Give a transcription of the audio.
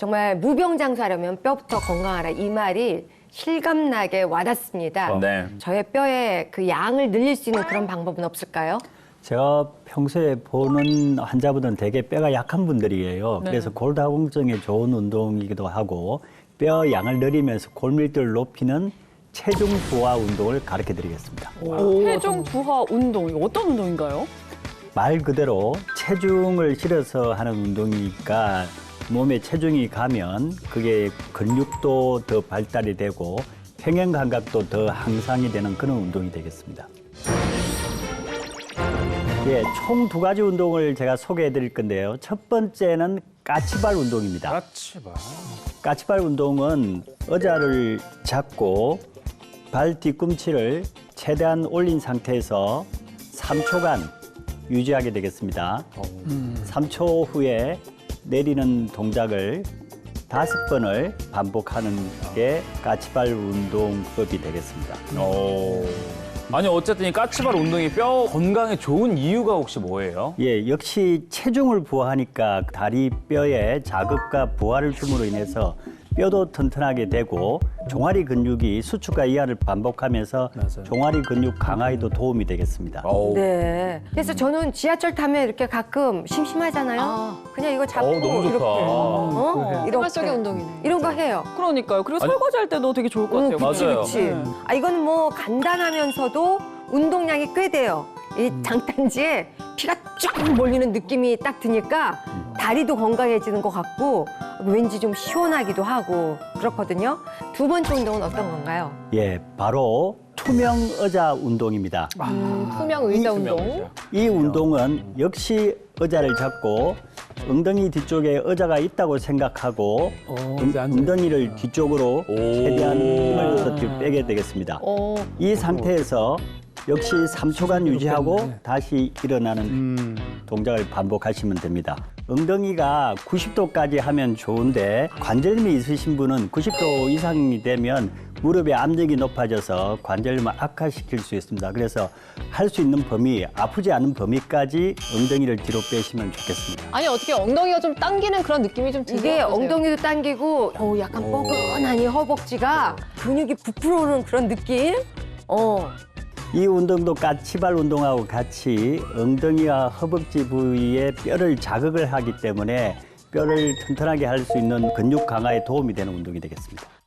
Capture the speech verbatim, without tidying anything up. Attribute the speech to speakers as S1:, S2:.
S1: 정말 무병장수하려면 뼈부터 건강하라 이 말이 실감나게 와닿습니다.
S2: 네.
S1: 저의 뼈의 그 양을 늘릴 수 있는 그런 방법은 없을까요?
S3: 제가 평소에 보는 환자분들은 대개 뼈가 약한 분들이에요.
S4: 네.
S3: 그래서 골다공증에 좋은 운동이기도 하고 뼈 양을 늘리면서 골밀도를 높이는 체중 부하 운동을 가르쳐 드리겠습니다.
S4: 체중 부하 운동, 이거 어떤 운동인가요?
S3: 말 그대로 체중을 실어서 하는 운동이니까 몸에 체중이 가면 그게 근육도 더 발달이 되고 평형 감각도 더 향상이 되는 그런 운동이 되겠습니다. 예, 총 두 가지 운동을 제가 소개해 드릴 건데요. 첫 번째는 까치발 운동입니다.
S2: 까치발.
S3: 까치발 운동은 의자를 잡고 발 뒤꿈치를 최대한 올린 상태에서 삼 초간 유지하게 되겠습니다. 삼 초 후에 내리는 동작을 다섯 번을 반복하는 게 까치발 운동법이 되겠습니다.
S2: 오. 아니 어쨌든 이 까치발 운동이 뼈 건강에 좋은 이유가 혹시 뭐예요?
S3: 예, 역시 체중을 부하하니까 다리 뼈에 자극과 부하를 줌으로 인해서 뼈도 튼튼하게 되고 종아리 근육이 수축과 이하를 반복하면서
S2: 맞아요.
S3: 종아리 근육 강화에도 도움이 되겠습니다.
S2: 어우.
S1: 네. 그래서 저는 지하철 타면 이렇게 가끔 심심하잖아요.
S4: 아.
S1: 그냥 이거 잡고
S2: 어우, 너무 좋다.
S1: 이렇게 어? 이렇게
S5: 생활속의 운동이네.
S1: 이런 거 해요.
S4: 그러니까요. 그리고
S2: 아니-
S4: 설거지 할 때도 되게 좋을 것 같아요.
S1: 응, 그치,
S2: 맞아요.
S1: 그치.
S4: 네.
S1: 아, 이건 뭐 간단하면서도 운동량이 꽤 돼요. 이 장단지에 피가 쫙 몰리는 느낌이 딱 드니까 다리도 건강해지는 것 같고 왠지 좀 시원하기도 하고 그렇거든요. 두 번째 운동은 어떤 건가요?
S3: 예, 바로 투명 의자 운동입니다.
S5: 음, 투명 의자 운동.
S2: 투명이죠.
S3: 이 운동은 역시 의자를 잡고 엉덩이 뒤쪽에 의자가 있다고 생각하고 엉- 엉덩이를 뒤쪽으로 최대한 힘을 줘서 뒤로 빼게 되겠습니다.
S5: 어,
S3: 이 상태에서 역시 삼 초간 유지하고 다시 일어나는 동작을 반복하시면 됩니다. 엉덩이가 구십 도까지 하면 좋은데 관절염이 있으신 분은 구십 도 이상이 되면 무릎의 압력이 높아져서 관절염을 악화시킬 수 있습니다. 그래서 할 수 있는 범위, 아프지 않은 범위까지 엉덩이를 뒤로 빼시면 좋겠습니다.
S5: 아니 어떻게 엉덩이가 좀 당기는 그런 느낌이 좀 들어요.
S1: 이게 엉덩이도 당기고 어, 약간 뻐근하니 허벅지가 근육이 부풀어 오는 그런 느낌? 어.
S3: 이 운동도 까치발 운동하고 같이 엉덩이와 허벅지 부위에 뼈를 자극을 하기 때문에 뼈를 튼튼하게 할 수 있는 근육 강화에 도움이 되는 운동이 되겠습니다.